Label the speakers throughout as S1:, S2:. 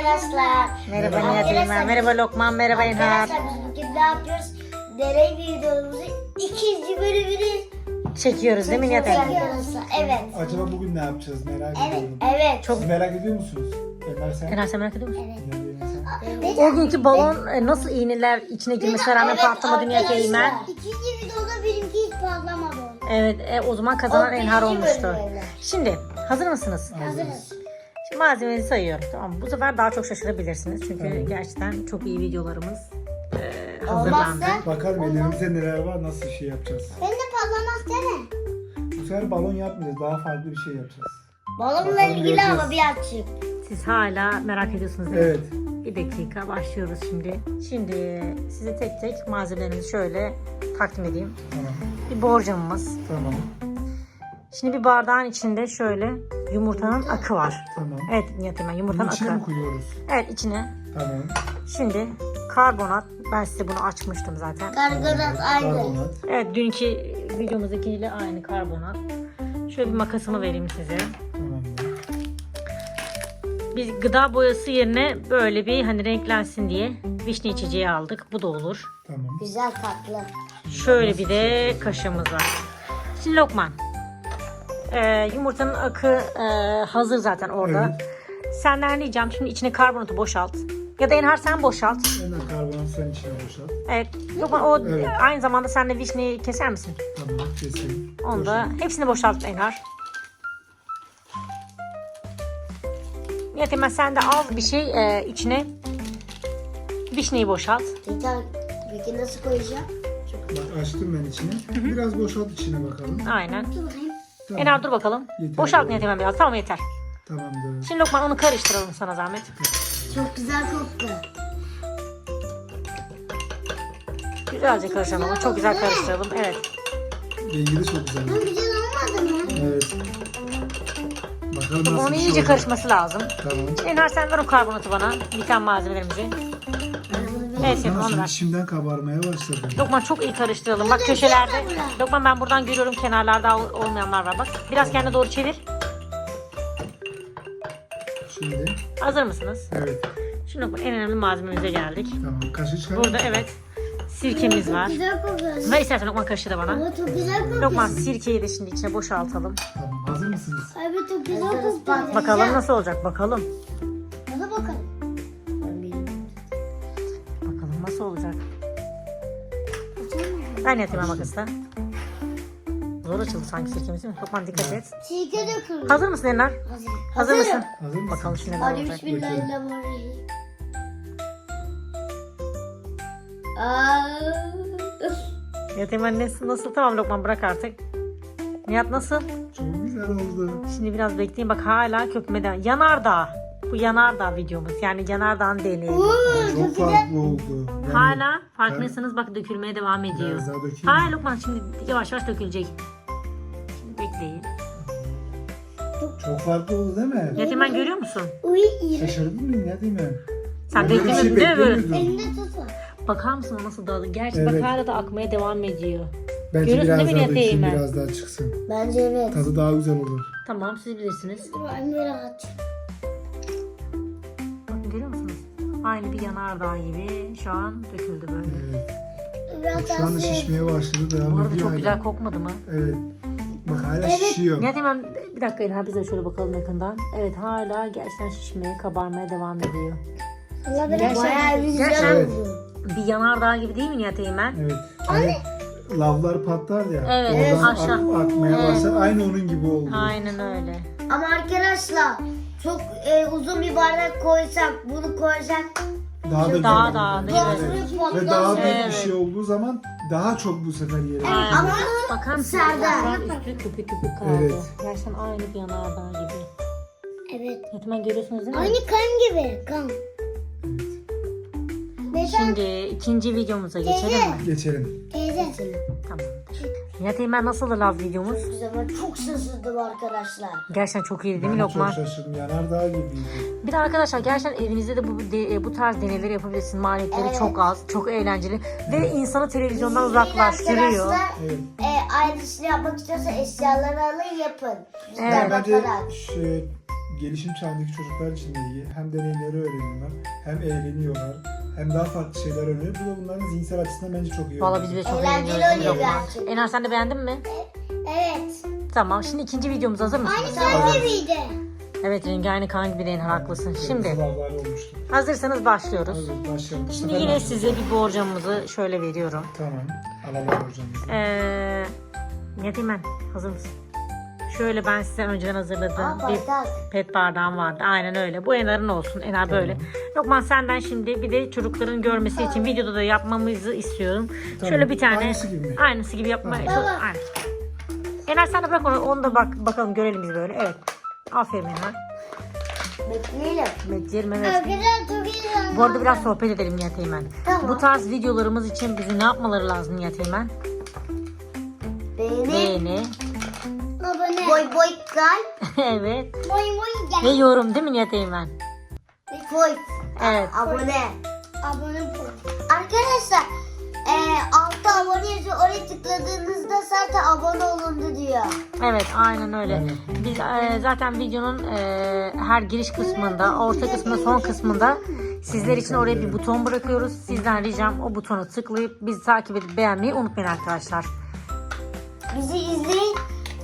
S1: arkadaşlar.
S2: Merhaba Nihat Eymen, merhaba Lokman, merhaba Enhar.
S1: Arkadaşlar biz bugün ne yapıyoruz? Deney videomuzu ikinci bölümünü
S2: Çekiyoruz değil mi Nihat Eymen?
S1: çekiyoruz. Evet.
S3: Acaba bugün ne yapacağız merak
S1: Evet.
S3: ediyorum.
S1: Evet.
S3: Siz merak ediyor musunuz? Enhar sen?
S2: Enhar sen merak ediyor musun?
S1: Evet.
S3: Enhar sen?
S2: O günkü balon nasıl iğneler içine girmesine rağmen patlamadı Nihat Eymen?
S1: İkinci videoda benimki hiç patlamadı.
S2: Evet, o zaman kazanan
S1: O
S2: Enhar
S1: birinci
S2: olmuştu.
S1: bölümde.
S2: Şimdi hazır mısınız?
S1: Hazırız.
S2: Şimdi malzemeleri sayıyorum. Tamam mı? Bu sefer daha çok şaşırabilirsiniz. Çünkü gerçekten çok iyi videolarımız hazırlandı.
S1: Olmazsa
S3: Bakalım elimizde neler var, nasıl şey yapacağız.
S1: ben de patlamaz deme.
S3: Bu sefer balon yapmayacağız, daha farklı bir şey yapacağız.
S1: Balonla
S3: Bakalım
S1: ilgili
S3: göreceğiz.
S1: ama bir açık.
S2: Siz hala merak ediyorsunuz değil mi?
S3: Evet.
S2: Bir dakika başlıyoruz şimdi. Şimdi size tek tek malzemelerimizi şöyle takdim edeyim.
S3: Tamam.
S2: Bir borcamımız.
S3: Tamam.
S2: Şimdi bir bardağın içinde şöyle yumurtanın akı var.
S3: Tamam.
S2: Evet Nihat Eymen,
S3: Bunun
S2: yumurtanın
S3: içine
S2: akı.
S3: mi koyuyoruz?
S2: Evet içine.
S3: Tamam.
S2: Şimdi karbonat. Ben size bunu açmıştım zaten.
S1: Karbonat aynı.
S3: Karbonat.
S2: Evet dünkü videomuzdakiyle aynı karbonat. Şöyle bir makasımı vereyim size.
S3: Tamamdır.
S2: Biz gıda boyası yerine böyle bir hani renklensin diye vişne içeceği aldık. Bu da olur.
S3: Tamam.
S1: Güzel tatlı.
S2: Şöyle bir de kaşığımız var. Şimdi Lokman. Yumurtanın akı hazır zaten orada. Senden ricam şimdi içine karbonatı boşalt. Ya da Enhar sen boşalt.
S3: Enhar karbonat sen içine boşalt.
S2: Evet. Lokman o
S3: Evet.
S2: aynı zamanda sen de vişneyi keser misin?
S3: Tamam, kesin.
S2: Onu da hepsini boşalt Enhar. Nihat Eymen sen de az bir şey içine vişneyi boşalt.
S1: Peki nasıl koyacağım?
S3: Bak açtım ben içine. Biraz boşalt içine bakalım.
S2: Aynen.
S1: Dur bakayım.
S3: Tamam.
S2: Enhar dur bakalım.
S3: Yeter.
S2: Boşalt Nihat Eymen biraz. Tamam yeter.
S3: Tamamdır.
S2: Şimdi Lokman onu karıştıralım sana zahmet.
S1: Çok güzel koktu.
S2: Güzelce karıştıralım ama çok güzel karıştıralım. Evet.
S3: Rengi de çok güzel.
S1: Güzel olmadı mı?
S3: Evet. Bakalım nasıl
S2: Onun
S3: bir şey
S2: iyice
S3: olacak.
S2: karışması lazım.
S3: Tamam.
S2: Enhar sen ver o karbonatı bana. Biten malzemelerimizi. Evet
S3: Tamam,
S2: onu
S3: şimdi
S2: ver.
S3: şimdiden kabarmaya başladı.
S2: Lokman çok iyi karıştıralım. Bak köşelerde. Lokman ben buradan görüyorum kenarlarda olmayanlar var bak. Biraz kendine doğru çevir.
S3: Şimdi.
S2: Hazır mısınız?
S3: Evet.
S2: Şimdi Lokman en önemli malzememize geldik.
S3: Tamam. Kaşığı çıkar.
S2: Burada evet sirkemiz var.
S1: Güzel kokuyor.
S2: Ver istersen Lokman kaşığı da bana.
S1: Ama çok güzel kokuyor.
S2: Lokman sirkeyi de şimdi içine boşaltalım.
S3: Tamam. Hazır mısınız?
S1: Abi çok güzel kokuyor.
S2: Bakalım nasıl olacak bakalım.
S1: Hadi bakalım.
S2: Bakalım nasıl olacak. Ben yatayım makası da. Zor açıldı sanki sirkemiz değil mi? Lokman dikkat et.
S1: Sirke dökülür.
S2: Hazır mısın Enhar?
S1: Hazır.
S2: Hazır mısın?
S3: Hazır mısın?
S2: Bakalım şimdi neler
S1: Hadi
S2: olacak.
S1: bismillahirrahmanirrahim. Aa.
S2: Yatayım nasıl? Tamam Lokman bırak artık. Nihat nasıl?
S3: Çok güzel oldu.
S2: Şimdi biraz bekleyin bak hala köpmeden. Yanardağ. Bu yanardağ videomuz. Yani yanardağın deneyi.
S3: Çok farklı oldu. Yani
S2: Hala farkındaysanız bak dökülmeye devam ediyor.
S3: Biraz daha dökeyim.
S2: Hayır Lokman şimdi yavaş yavaş dökülecek. Şimdi bekleyin.
S3: Çok farklı oldu değil mi?
S2: Nihat Eymen görüyor musun?
S1: Uy iyi.
S3: Şaşırdın mı? Ne diyeyim ben?
S2: Sen
S3: Böyle bir
S2: beklemiyordun değil mi?
S3: beklemiyordum.
S1: Elinde tutma.
S2: Bakar mısın o nasıl dağıldı? Gerçi
S3: Evet.
S2: bak hala da akmaya devam ediyor.
S3: Bence
S2: Görüyorsun
S3: biraz
S2: değil mi
S3: daha
S2: Nihat
S3: dökeyim,
S2: Eymen?
S3: biraz daha çıksın.
S1: Bence evet.
S3: Tadı daha güzel olur.
S2: Tamam siz bilirsiniz.
S1: Ben bir rahat.
S2: Bakın görüyor musunuz? Aynı bir yanardağ gibi şu an döküldü böyle.
S3: Evet.
S1: Biraz
S3: Şu anda şişmeye başladı.
S2: Bu
S3: Devam
S2: arada
S3: ediyor
S2: çok
S3: hala.
S2: güzel kokmadı mı?
S3: Evet. Bak hala şişiyor.
S2: Nihat Eymen bir dakika İlhan biz de şöyle bakalım yakından. Evet hala gerçekten şişmeye, kabarmaya devam ediyor.
S1: Gerçekten bayağı güzel
S3: Evet.
S1: oldu.
S2: Bir yanardağ gibi değil mi Nihat Eymen?
S3: Evet. Hani lavlar patlar ya.
S2: Evet,
S3: Oradan
S2: aşağı.
S3: akmaya
S2: Evet.
S3: başlar. Aynı onun gibi oldu.
S2: Aynen öyle.
S1: Ama arkadaşlar çok uzun bir bardak koysak bunu koysak
S3: Daha da
S2: Daha
S3: güzel
S2: da
S3: oldu.
S2: değil
S1: evet.
S2: mi?
S3: Ve daha büyük
S2: Evet.
S3: bir şey olduğu zaman daha çok bu sefer yere.
S2: Aynen.
S1: Ama
S2: Bakar mısın?
S1: Serdar.
S2: Şu an üstü köpük köpük kaldı.
S3: Evet.
S2: Gerçekten aynı bir yanardağ gibi.
S1: evet.
S2: Nihat Eymen görüyorsunuz değil mi?
S1: Aynı kan gibi kan. Neden?
S2: Şimdi ikinci videomuza geçelim mi?
S3: Geçelim.
S1: Teyze.
S2: Tamam. Nihat Eymen nasıldı lav videomuz?
S1: Güzel, ben çok şaşırdım arkadaşlar.
S2: Gerçekten çok iyiydi değil mi
S3: Ben
S2: Lokman?
S3: çok şaşırdım. Yanardağ gibiydi.
S2: Bir de arkadaşlar gerçekten evinizde de bu tarz deneyleri yapabilirsiniz. Maliyetleri
S1: Evet.
S2: çok az, çok eğlenceli ve insanı televizyondan uzaklaştırıyor.
S1: Arkadaşlar
S3: Evet.
S1: aynısını yapmak istiyorsa eşyaları alın yapın.
S2: Evet.
S1: Güzel
S3: Bence
S1: bakarak.
S3: gelişim çağındaki çocuklar için de iyi. Hem deneyimleri öğreniyorlar, hem eğleniyorlar, hem daha farklı şeyler öğreniyor. Bu da bunların zihinsel açısından bence çok iyi.
S2: Valla biz de çok
S1: Eğlenceli
S2: eğleniyoruz.
S1: oluyor
S2: Lokman.
S1: gerçekten.
S2: Enar sen de beğendin mi?
S1: Evet.
S2: Tamam şimdi ikinci videomuz hazır mısın?
S1: Aynı sen miydi?
S2: Evet rengi aynı kan gibi de Enar haklısın. Şimdi
S3: Sıvazlar olmuştu.
S2: hazırsanız başlıyoruz.
S3: Evet, başlayalım. Bu
S2: Şimdi
S3: sefer
S2: yine
S3: ben-
S2: size bir borcamımızı şöyle veriyorum.
S3: Tamam. Alalım hocamızı.
S2: Nihat Eymen hazır mısın? Şöyle ben size önceden hazırladığım bir pet bardağım vardı. Aynen öyle. Bu Enar'ın olsun. Enar böyle. Lokman senden şimdi bir de çocukların görmesi için videoda da yapmamızı istiyorum.
S3: Tamam.
S2: Şöyle bir tane.
S3: Aynısı gibi mi?
S2: Aynısı gibi yapmaya.
S3: Tamam.
S2: Aynen. Enar sen de bırak onu da bakalım görelim biz böyle. Evet. Aferin Enar.
S1: Bekleyelim.
S2: Bekleyelim evet.
S1: Arkadaşlar çok iyi.
S2: Bu arada biraz sohbet edelim Nihat Eymen.
S1: Tamam.
S2: Bu tarz videolarımız için bizi ne yapmaları lazım Nihat Eymen? Beğeni.
S1: Abone. Boy boy kalp.
S2: Evet.
S1: Boy boy
S2: Ve
S1: gel.
S2: yorum değil mi Nihat Eymen?
S1: Boy.
S2: Evet.
S1: Abone. Abone boy. Arkadaşlar altta abone yazıyor. Oraya tıkladığınızda zaten abone olundu diyor.
S2: Evet aynen öyle.
S3: Evet.
S2: Biz zaten videonun her giriş kısmında, orta kısmında, son kısmında sizler için oraya bir buton bırakıyoruz. Sizden ricam o butonu tıklayıp bizi takip edip beğenmeyi unutmayın arkadaşlar.
S1: Bizi izleyin.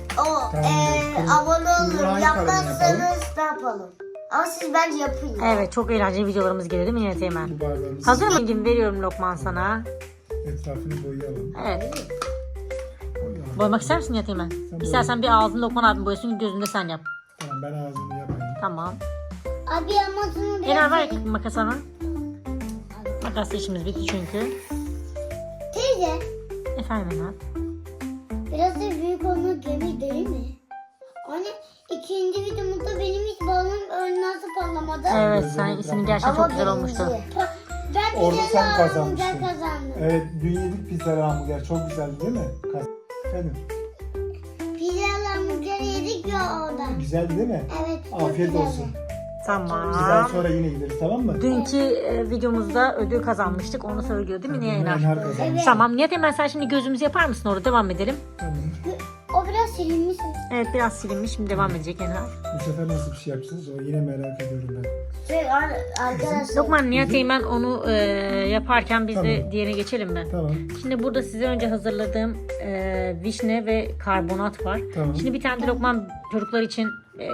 S3: Şimdi
S1: Abone olun.
S3: hangi kalemi
S1: Yapmazsanız ne yapalım? Ama siz bence yapın ya.
S2: Evet çok eğlenceli videolarımız geliyor değil mi Nihat Eymen?
S3: Bu bardağımızı
S2: Hazır mısın? Veriyorum Lokman sana.
S3: etrafını boyayalım.
S2: Evet.
S3: Boyayalım.
S2: Boyamak ister misin Nihat Eymen?
S3: boya.
S2: İstersen bir ağzını Lokman abim boyasın, gözünde sen yap.
S3: Tamam ben ağzını yapayım.
S2: Tamam.
S1: Abi ama şunu
S2: Enar ver makas sana. Makasla işimiz bitti çünkü.
S1: Teyze.
S2: Efendim Enar.
S1: Biraz da büyük olmak gemi değil mi? Hani ikinci videomuzda benim hiç balonum nasıl patlamadı.
S2: Evet sen senin gerçekten çok güzel olmuştu.
S1: Ben
S3: Orada
S1: pizza
S3: sen
S1: hamburger
S3: kazanmıştın.
S1: kazandım.
S3: Evet dün yedik pizza hamburger. Çok güzeldi değil mi? Efendim.
S1: Pizza hamburger yedik ya orada.
S3: Güzeldi değil mi?
S1: Evet. çok
S3: Afiyet
S1: güzeldi.
S3: olsun.
S2: Tamam.
S3: Bizden sonra yine gideriz tamam mı?
S2: Dünkü videomuzda ödül kazanmıştık. Onu söylüyor değil mi Nihat Enar?
S3: Enhar kazanmış.
S1: Evet.
S2: Tamam Nihat Eymen sen şimdi gözümüzü yapar mısın orada? Devam edelim.
S3: Tamam.
S1: O biraz silinmiş.
S2: Evet biraz silinmiş. Şimdi devam edecek Enar.
S3: Bu sefer nasıl bir şey yapacağız? O yine merak ediyorum ben.
S1: Arkadaşlar.
S2: Lokman Nihat Eymen onu yaparken biz de
S3: Tamam.
S2: diğerine geçelim mi?
S3: Tamam.
S2: Şimdi burada size önce hazırladığım vişne ve karbonat var.
S3: Tamam.
S2: Şimdi bir tane de Lokman çocuklar için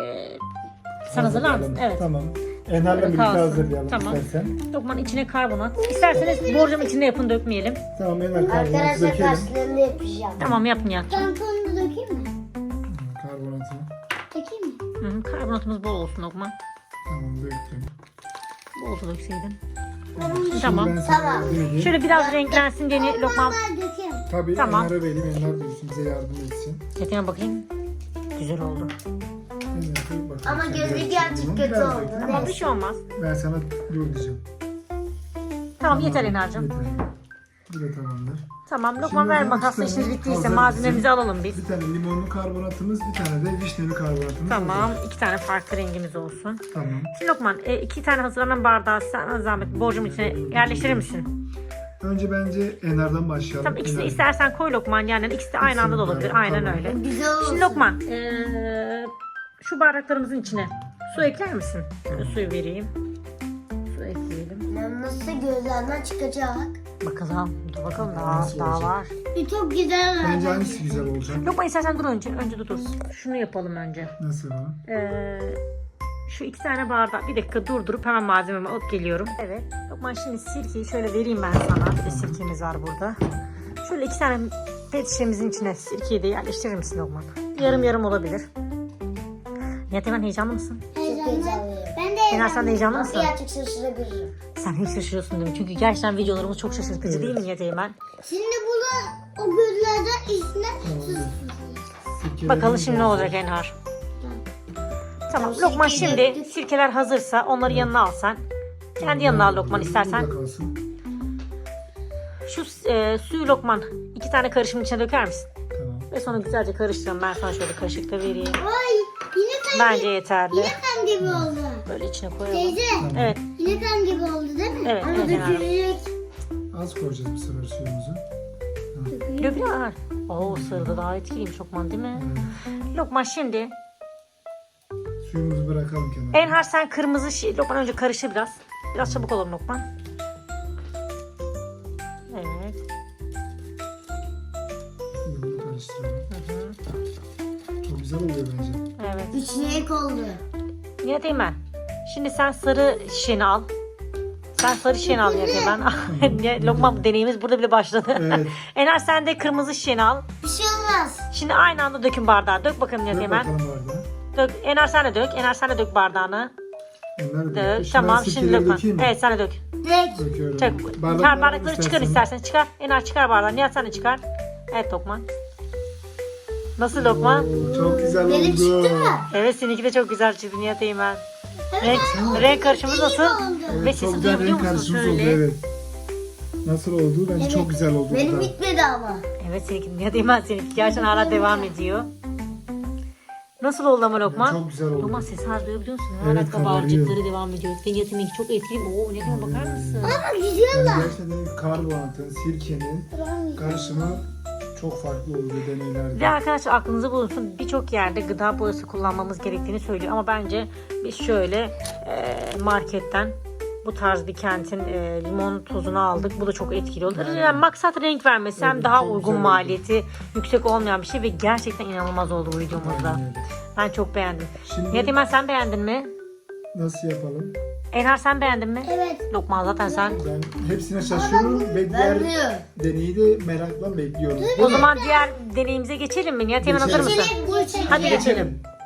S2: sen hazırlar mısın?
S3: Hazırlayalım.
S2: Evet.
S3: Tamam. Enhar'la birlikte
S2: Kalsın.
S3: hazırlayalım
S2: Tamam.
S3: istersen.
S2: Lokman içine karbonat. İsterseniz borcam içinde yapın dökmeyelim.
S3: Tamam Enhar karbonatı
S1: Arkadaşlar
S3: dökelim.
S1: karşılarında yapacağım.
S2: Tamam yapın ya.
S1: Tamponu da dökeyim mi?
S3: Karbonatı.
S1: Dökeyim mi?
S2: Hı, karbonatımız bol olsun Lokman.
S3: Tamam döktüm.
S2: Bol da dökseydin.
S3: Şimdi
S2: Tamam.
S3: ben sana
S1: Tamam.
S3: yardım edeyim.
S2: Şöyle biraz renklensin diye Lokman.
S1: Ben dökeyim.
S3: Tabii
S2: Tamam.
S3: Enhar'a vereyim. Enhar döksün bize yardım etsin.
S2: Çetine bakayım. Güzel oldu.
S3: Enhar, bak,
S1: Ama
S3: sen
S1: gözü
S3: biraz
S1: gerçek
S3: çek bunu.
S1: kötü
S3: Biraz
S1: oldu.
S3: dök.
S2: Tamam bir şey olmaz.
S3: Ben sana dur diyeceğim.
S2: Tamam yeter Enar'cığım.
S3: Yeter. Bu da tamamdır.
S2: Tamam Lokman
S3: Şimdi
S2: ver
S3: ben
S2: makasla
S3: iki tane
S2: işiniz bittiyse
S3: hazır
S2: malzemelerimizi
S3: bizim-
S2: alalım biz.
S3: Bir tane limonlu karbonatımız, bir tane de vişneli karbonatımız.
S2: Tamam
S3: hazır.
S2: 2 tane farklı rengimiz olsun.
S3: Tamam.
S2: Şimdi Lokman 2 tane hazırlanan bardağı sana zahmet borcumun içine yerleştirir misin?
S3: Önce bence Enhar'dan başlayalım.
S2: Tamam ikisini
S3: Enhar.
S2: istersen koy Lokman yani ikisi de aynı anda da olabilir.
S3: Tamam.
S2: Aynen öyle.
S1: Güzel olsun.
S2: Şimdi Lokman şu bardaklarımızın içine su ekler misin? Şöyle suyu vereyim. Su ekleyelim.
S1: Nasıl gözlerden çıkacak?
S2: Bakalım. Dur bakalım daha,
S3: Nasıl
S2: daha
S3: olacak?
S2: var.
S1: Çok güzel.
S3: Bence hangisi güzel olacak?
S2: Lokman istersen dur önce. Önce dur. Şunu yapalım önce.
S3: Nasıl o?
S2: Şu 2 tane bardak bir dakika durdurup hemen malzememi alıp geliyorum. Evet. Lokman şimdi sirkeyi şöyle vereyim ben sana. Bir de sirkemiz var burada. Şöyle 2 tane pet şişemizin içine sirkeyi de yerleştirir misin Lokman? Yarım yarım olabilir. Nihat Eymen heyecanlı mısın?
S1: Heyecanlı. Ben de
S2: Enar sen de heyecanlı mısın?
S1: Birazcık şaşırabilirim.
S2: Sen hiç şaşırıyorsun değil mi? Çünkü gerçekten videolarımız çok şaşırtıcı değil mi Nihat Eymen?
S1: Şimdi bunu o gözlerden içine
S3: Sirkelerimiz
S2: Bakalım şimdi ne
S3: hazır.
S2: olacak Enhar. Tamam
S1: Tamam,
S2: Lokman
S1: sirkeyi
S2: şimdi
S1: döktük.
S2: sirkeler hazırsa onları yanına al sen. Kendi yanına al Lokman istersen.
S3: Burada kalsın.
S2: Şu suyu Lokman 2 tane karışımın içine döker misin?
S3: Tamam.
S2: Ve sonra güzelce karıştıralım. Ben sana şöyle kaşıkla vereyim.
S1: Ay yine
S2: Bence yeterli.
S1: kan gibi oldu.
S2: Böyle içine koyalım.
S1: Teyze
S2: Evet.
S1: yine kan gibi oldu değil mi?
S2: Evet,
S1: Ama
S2: evet, evet.
S1: dökülecek.
S3: Az koyacağız bu sefer suyumuzu.
S2: Döküyor. Oo sırada daha etkiliymiş Lokman değil mi? Lokman şimdi
S3: Suyumuzu bırakalım kenara.
S2: Enhar sen kırmızı Lokman önce karıştır biraz. Biraz çabuk olalım Lokman. Evet.
S3: Bunu karıştıralım.
S2: Hı.
S3: Çok güzel oluyor bence.
S2: Evet.
S1: Üç renk oldu.
S2: Nihat Eymen. Şimdi sen sarı şişeni al. Sen sarı şişeni al Nihat Eymen. Lokman deneyimiz burada bile başladı.
S3: Evet.
S2: Enhar sen de kırmızı şişeni al.
S1: Bir şey olmaz.
S2: Şimdi aynı anda dökün bardağı. Dök bakalım Nihat
S3: Dök
S2: Eymen.
S3: bakalım bardağı.
S2: Dök. Enhar sen de dök. Enhar sen de dök bardağını.
S3: Onlar da
S2: Dök.
S3: Şimdi
S2: Tamam
S3: ben
S2: şimdi
S3: sirkeleri
S2: Lokman.
S3: dökeyim mi?
S2: Evet sen de dök.
S1: Direkt.
S3: Döküyorum.
S2: Çek.
S3: Bardakları
S2: Bardakları çıkar istersen. Çıkar. Enhar çıkar bardağı. Nihat sen de çıkar. Evet Lokman. Nasıl Lokman?
S3: Oo, çok güzel
S1: Benim
S3: oldu.
S1: çıktı mı?
S2: Evet seninki de çok güzel çıktı Nihat Eymen.
S1: Evet.
S2: Renk karışımı nasıl?
S3: Evet,
S2: Ve
S3: çok
S2: sesi
S3: güzel
S2: duyabiliyor
S3: renk
S2: musun?
S3: karışımı oldu
S2: Şöyle.
S3: evet. Nasıl oldu? Bence
S1: Evet.
S3: çok güzel oldu.
S1: Benim
S3: bu da.
S1: bitmedi ama.
S2: Evet seninki Nihat Eymen seninki gerçekten hala devam ediyor. Nasıl oldu ama Lokman?
S3: Çok güzel oldu.
S2: Lokman sesi hala duyabiliyor musun?
S3: Evet,
S2: Hala kabarcıkları devam ediyor. Ve Nihat Eymen'inki çok etkili. Oo ne kadar bakar mısın?
S1: Ama gidiyorlar.
S3: Yani gerçekten karbonatın, sirkenin karışımı çok farklı oldu deneylerde.
S2: Ve arkadaşlar aklınızda bulunsun birçok yerde gıda boyası kullanmamız gerektiğini söylüyor. Ama bence biz şöyle marketten bu tarz bir kentin limon tozunu aldık. Bu da çok etkili olur. Yani maksat renk vermesi hem
S3: Evet,
S2: daha
S3: çok
S2: uygun
S3: güzel oldu.
S2: maliyeti yüksek olmayan bir şey ve gerçekten inanılmaz oldu bu videomuzda.
S3: Aynen öyle.
S2: Ben çok beğendim.
S3: Şimdi
S2: Nihat Eymen sen beğendin mi?
S3: nasıl yapalım?
S2: Enhar sen beğendin mi?
S1: Evet.
S2: Lokman zaten sen.
S3: Ben hepsine şaşırıyorum ve diğer
S1: Vermiyor.
S3: deneyi de merakla bekliyorum.
S2: O zaman diğer deneyimize geçelim mi? Nihat Eymen hazır
S3: Geçelim.
S2: mısın?
S1: Geçelim.
S2: Hadi
S1: Geçelim.
S2: geçelim.
S3: Geçelim.